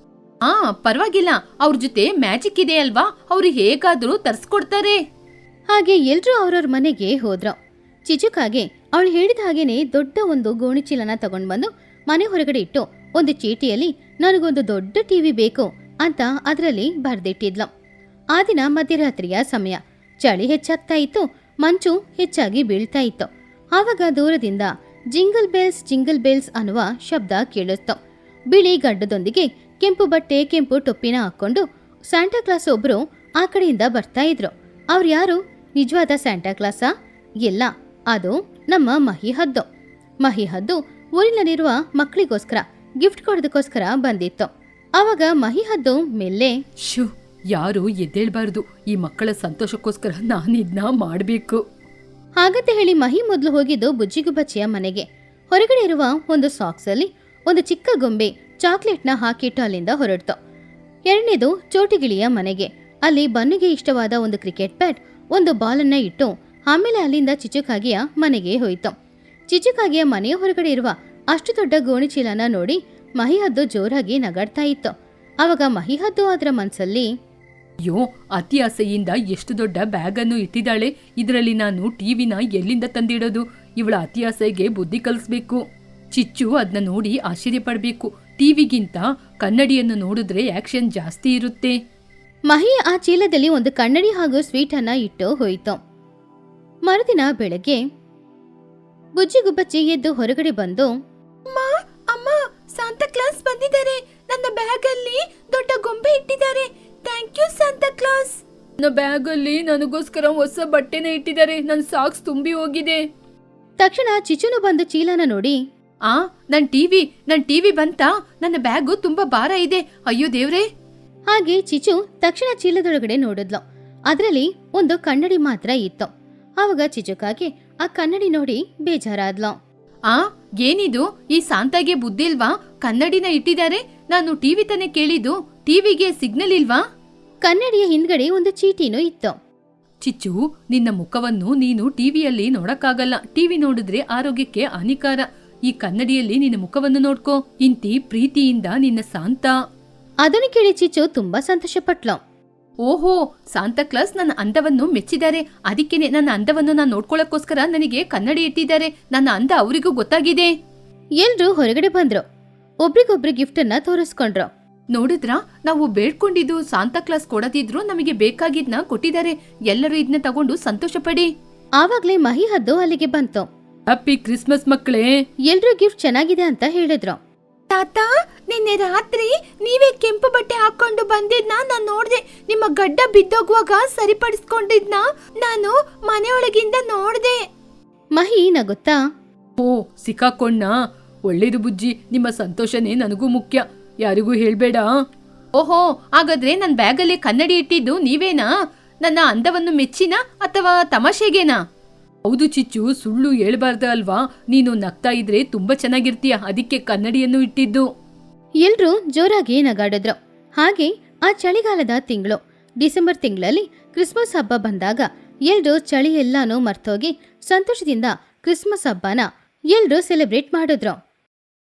Speaker 3: ಆ ಪರವಾಗಿಲ್ಲ, ಅವ್ರ ಜೊತೆ ಮ್ಯಾಜಿಕ್ ಇದೆ ಅಲ್ವಾ, ಅವ್ರು ಹೇಗಾದ್ರೂ ತರ್ಸ್ಕೊಡ್ತಾರೆ.
Speaker 1: ಹಾಗೆ ಎಲ್ರೂ ಅವ್ರವ್ರ ಮನೆಗೆ ಹೋದ್ರು. ಚಿಚುಕಾಗೆ ಅವಳು ಹೇಳಿದ ಹಾಗೇನೆ ದೊಡ್ಡ ಒಂದು ಗೋಣಿಚೀಲನ ತಗೊಂಡ್ ಬಂದು ಮನೆ ಹೊರಗಡೆ ಇಟ್ಟು ಒಂದು ಚೀಟಿಯಲ್ಲಿ ನನಗೊಂದು ದೊಡ್ಡ ಟಿವಿ ಬೇಕು ಅಂತ ಅದರಲ್ಲಿ ಬರ್ದಿಟ್ಟಿದ್ಲು. ಆ ದಿನ ಮಧ್ಯರಾತ್ರಿಯ ಸಮಯ, ಚಳಿ ಹೆಚ್ಚಾಗ್ತಾ ಇತ್ತು, ಮಂಚು ಹೆಚ್ಚಾಗಿ ಬೀಳ್ತಾ ಇತ್ತು. ಆವಾಗ ದೂರದಿಂದ ಜಿಂಗಲ್ ಬೆಲ್ಸ್ ಜಿಂಗಲ್ ಬೆಲ್ಸ್ ಅನ್ನುವ ಶಬ್ದ ಕೇಳಿಸ್ತು. ಬಿಳಿ ಗಡ್ಡದೊಂದಿಗೆ ಕೆಂಪು ಬಟ್ಟೆ, ಕೆಂಪು ಟೊಪ್ಪಿನ ಹಾಕೊಂಡು ಸ್ಯಾಂಟಾ ಕ್ಲಾಸ್ ಒಬ್ರು ಆ ಕಡೆಯಿಂದ ಬರ್ತಾ ಇದ್ರು. ಅವ್ರು ಯಾರು? ನಿಜವಾದ ಸ್ಯಾಂಟಾ ಕ್ಲಾಸಾ? ಇಲ್ಲ, ಅದು ನಮ್ಮ ಮಹಿ ಹದ್ದು. ಮಹಿ ಹದ್ದು ಊರಿನಲ್ಲಿರುವ ಮಕ್ಕಳಿಗೋಸ್ಕರ ಗಿಫ್ಟ್ ಕೊಡೋದಕ್ಕೋಸ್ಕರ ಬಂದಿತ್ತು. ಆವಾಗ ಮಹಿ ಹದ್ದು ಮೆಲ್ಲೆ,
Speaker 3: ಶೂ, ಯಾರು ಎದ್ದೇಳ್ಬಾರ್ದು. ಈ ಮಕ್ಕಳ ಸಂತೋಷಕ್ಕೋಸ್ಕರ ನಾನು ಇದನ್ನ ಮಾಡಬೇಕು.
Speaker 1: ಹಾಗಂತ ಹೇಳಿ ಮಹಿ ಮೊದಲು ಹೋಗಿದ್ದು ಬುಜ್ಜಿಗುಬ್ಬಚ್ಚಿಯ ಮನೆಗೆ. ಹೊರಗಡೆ ಇರುವ ಒಂದು ಸಾಕ್ಸ್ ಅಲ್ಲಿ ಒಂದು ಚಿಕ್ಕ ಗೊಂಬೆ ಚಾಕ್ಲೇಟ್ನ ಹಾಕಿಟ್ಟು ಅಲ್ಲಿಂದ ಹೊರಡ್ತು. ಎರಡನೇದು ಚೋಟಿಗಿಳಿಯ ಮನೆಗೆ. ಅಲ್ಲಿ ಬನ್ನುಗೆ ಇಷ್ಟವಾದ ಒಂದು ಕ್ರಿಕೆಟ್ ಬ್ಯಾಟ್, ಒಂದು ಬಾಲನ್ನ ಇಟ್ಟು ಆಮೇಲೆ ಅಲ್ಲಿಂದ ಚಿಚುಕಾಗಿಯ ಮನೆಗೆ ಹೋಯಿತು. ಚಿಚುಕಾಗಿಯ ಮನೆಯ ಹೊರಗಡೆ ಇರುವ ಅಷ್ಟು ದೊಡ್ಡ ಗೋಣಿಚೀಲನ ನೋಡಿ ಮಹಿಹದ್ದು ಜೋರಾಗಿ ನಗಾಡ್ತಾ ಇತ್ತು. ಆವಾಗ ಮಹಿಹದ್ದು ಅದರ ಮನ್ಸಲ್ಲಿ,
Speaker 3: ಅಯ್ಯೋ, ಅತಿ ಆಸೆಯಿಂದ ಎಷ್ಟು ದೊಡ್ಡ ಬ್ಯಾಗ್ ಅನ್ನು ಇಟ್ಟಿದ್ದಾಳೆ. ಇದರಲ್ಲಿ ನಾನು ಟಿವಿನ ಎಲ್ಲಿಂದ ತಂದಿಡೋದು? ಇವಳ ಅತಿ ಆಸೆಗೆ ಬುದ್ಧಿ ಕಲಿಸ್ಬೇಕು. ಚಿಚ್ಚು ಅದನ್ನ ನೋಡಿ ಆಶ್ಚರ್ಯ ಪಡ್ಬೇಕು. ಟಿವಿಗಿಂತ ಕನ್ನಡಿಯನ್ನು ನೋಡಿದ್ರೆ ಆಕ್ಷನ್ ಜಾಸ್ತಿ ಇರುತ್ತೆ.
Speaker 1: ಮಹಿ ಆ ಚೀಲದಲ್ಲಿ ಒಂದು ಕನ್ನಡಿ ಹಾಗೂ ಸ್ವೀಟ್ ಅನ್ನ ಇಟ್ಟು ಹೋಯಿತು. ಮರುದಿನ ಬೆಳಗ್ಗೆ ಬುಜ್ಜಿಗುಬ್ಬಚ್ಚಿ ಎದ್ದು ಹೊರಗಡೆ ಬಂದು,
Speaker 2: ಅಮ್ಮ ಅಮ್ಮ, ಸಾಂತಾ ಕ್ಲಾಸ್ ಬಂದಿದ್ದಾರೆ. ನನ್ನ ಬ್ಯಾಗ್ ಅಲ್ಲಿ ದೊಡ್ಡ ಗೊಂಬೆ ಇಟ್ಟಿದ್ದಾರೆ. Thank you Santa Claus.
Speaker 3: ನನ್ನ ಬ್ಯಾಗ್ ಅಲ್ಲಿ ನನಗೋಸ್ಕರ ಹೊಸ ಬಟ್ಟೆನ ಇಟ್ಟಿದ್ದಾರೆ. ನನ್ನ ಸಾಕ್ಸ್ ತುಂಬಿ ಹೋಗಿದೆ.
Speaker 1: ತಕ್ಷಣ ಚಿಚುನು ಬಂದು ಚೀಲನ ನೋಡಿ,
Speaker 3: ಆ ನನ್ ಟಿವಿ ನನ್ ಟಿವಿ ಬಂತಾ? ನನ್ನ ಬ್ಯಾಗು ತುಂಬಾ ಭಾರ ಇದೆ. ಅಯ್ಯೋ ದೇವ್ರೇ.
Speaker 1: ಹಾಗೆ ಚಿಚು ತಕ್ಷಣ ಚೀಲದೊಳಗಡೆ ನೋಡಿದ್ಲು. ಅದರಲ್ಲಿ ಒಂದು ಕನ್ನಡಿ ಮಾತ್ರ ಇತ್ತು. ಆವಾಗ ಚಿಚುಕಾಗೆ ಆ ಕನ್ನಡಿ ನೋಡಿ ಬೇಜಾರಾದ್ಲು.
Speaker 3: ಆ ಏನಿದು, ಈ ಸಾಂತಾಗೆ ಬುದ್ಧಿಲ್ವಾ? ಕನ್ನಡಿನ ಇಟ್ಟಿದ್ದಾರೆ. ನಾನು ಟಿವಿ ತಾನೇ ಕೇಳಿದ್ದು, ಟಿವಿಗೆ ಸಿಗ್ನಲ್ ಇಲ್ವಾ?
Speaker 1: ಕನ್ನಡಿಯ ಹಿಂದ್ಗಡೆ ಒಂದು ಚೀಟಿನೂ ಇತ್ತು.
Speaker 3: ಚಿಚ್ಚು, ನಿನ್ನ ಮುಖವನ್ನು ನೀನು ಟಿವಿಯಲ್ಲಿ ನೋಡಕ್ಕಾಗಲ್ಲ. ಟಿವಿ ನೋಡಿದ್ರೆ ಆರೋಗ್ಯಕ್ಕೆ ಹಾನಿಕಾರ. ಈ ಕನ್ನಡಿಯಲ್ಲಿ ನಿನ್ನ ಮುಖವನ್ನು ನೋಡ್ಕೋ. ಇಂತಿ ಪ್ರೀತಿಯಿಂದ ನಿನ್ನ ಸಾಂತಾ.
Speaker 1: ಅದನ್ನು ಕೇಳಿ ಚಿಚ್ಚು ತುಂಬಾ ಸಂತೋಷ ಪಟ್ಲು.
Speaker 3: ಓಹೋ, ಸಾಂತಾ ಕ್ಲಾಸ್ ನನ್ನ ಅಂದವನ್ನು ಮೆಚ್ಚಿದ್ದಾರೆ. ಅದಕ್ಕೇನೆ ನನ್ನ ಅಂದವನ್ನು ನಾನು ನೋಡ್ಕೊಳ್ಳೋಕ್ಕೋಸ್ಕರ ನನಗೆ ಕನ್ನಡಿ ಇಟ್ಟಿದ್ದಾರೆ. ನನ್ನ ಅಂದ ಅವರಿಗೂ ಗೊತ್ತಾಗಿದೆ.
Speaker 1: ಎಲ್ರೂ ಹೊರಗಡೆ ಬಂದ್ರು. ಒಬ್ರಿಗೊಬ್ರು ಗಿಫ್ಟ್ ಅನ್ನ ತೋರಿಸ್ಕೊಂಡ್ರು.
Speaker 3: ನೋಡಿದ್ರ, ನಾವು ಬೇಡ್ಕೊಂಡಿದ್ದು ಸಾಂತಾ ಕ್ಲಾಸ್ ಕೊಡದಿದ್ರು ನಮಗೆ ಬೇಕಾಗಿದ್ನ ಕೊಟ್ಟಿದ್ದಾರೆ. ಎಲ್ಲರೂ ಇದನ್ನ ತಗೊಂಡು ಸಂತೋಷ ಪಡಿ.
Speaker 1: ಆವಾಗ್ಲೇ ಮಹಿ ಹದ್ದು ಅಲ್ಲಿಗೆ ಬಂತು.
Speaker 3: ಹ್ಯಾಪಿ ಕ್ರಿಸ್ಮಸ್ ಮಕ್ಕಳೇ.
Speaker 1: ಎಲ್ರೂ ಗಿಫ್ಟ್ ಚೆನ್ನಾಗಿದೆ ಅಂತ ಹೇಳಿದ್ರು.
Speaker 2: ತಾತ, ನಿನ್ನೆ ರಾತ್ರಿ ನೀವೇ ಕೆಂಪು ಬಟ್ಟೆ ಹಾಕೊಂಡು ಬಂದಿದ್ನ ನಾನ್ ನೋಡ್ದೆ. ನಿಮ್ಮ ಗಡ್ಡ ಬಿದ್ದೋಗುವಾಗ ಸರಿಪಡಿಸ್ಕೊಂಡಿದ್ನ ನಾನು ಮನೆಯೊಳಗಿಂದ ನೋಡ್ದೆ.
Speaker 1: ಮಹಿ ನಗುತ್ತಾ,
Speaker 3: ಓ, ಸಿಕ್ಕಾಕೊಂಡ. ಒಳ್ಳೇದು ಬುಜ್ಜಿ, ನಿಮ್ಮ ಸಂತೋಷನೇ ನನಗೂ ಮುಖ್ಯ. ಯಾರಿಗೂ ಹೇಳ್ಬೇಡ. ಓಹೋ, ಹಾಗಾದ್ರೆ ನನ್ನ ಬ್ಯಾಗಲ್ಲಿ ಕನ್ನಡಿ ಇಟ್ಟಿದ್ದು ನೀವೇನಾ? ನನ್ನ ಅಂದವನ್ನು ಮೆಚ್ಚಿನಾ ಅಥವಾ ತಮಾಷೆಗೇನಾ? ಹೌದು ಚಿಚ್ಚು, ಸುಳ್ಳು ಹೇಳ್ಬಾರ್ದ ಅಲ್ವಾ? ನೀನು ನಗ್ತಾ ಇದ್ರೆ ತುಂಬಾ ಚೆನ್ನಾಗಿರ್ತೀಯ, ಅದಕ್ಕೆ ಕನ್ನಡಿಯನ್ನು ಇಟ್ಟಿದ್ದು.
Speaker 1: ಎಲ್ರೂ ಜೋರಾಗಿ ನಗಾಡಿದ್ರು. ಹಾಗೆ ಆ ಚಳಿಗಾಲದ ತಿಂಗಳು ಡಿಸೆಂಬರ್ ತಿಂಗಳಲ್ಲಿ ಕ್ರಿಸ್ಮಸ್ ಹಬ್ಬ ಬಂದಾಗ ಎಲ್ರೂ ಚಳಿ ಎಲ್ಲಾನು ಮರ್ತೋಗಿ ಸಂತೋಷದಿಂದ ಕ್ರಿಸ್ಮಸ್ ಹಬ್ಬನ ಎಲ್ರೂ ಸೆಲೆಬ್ರೇಟ್ ಮಾಡಿದ್ರು.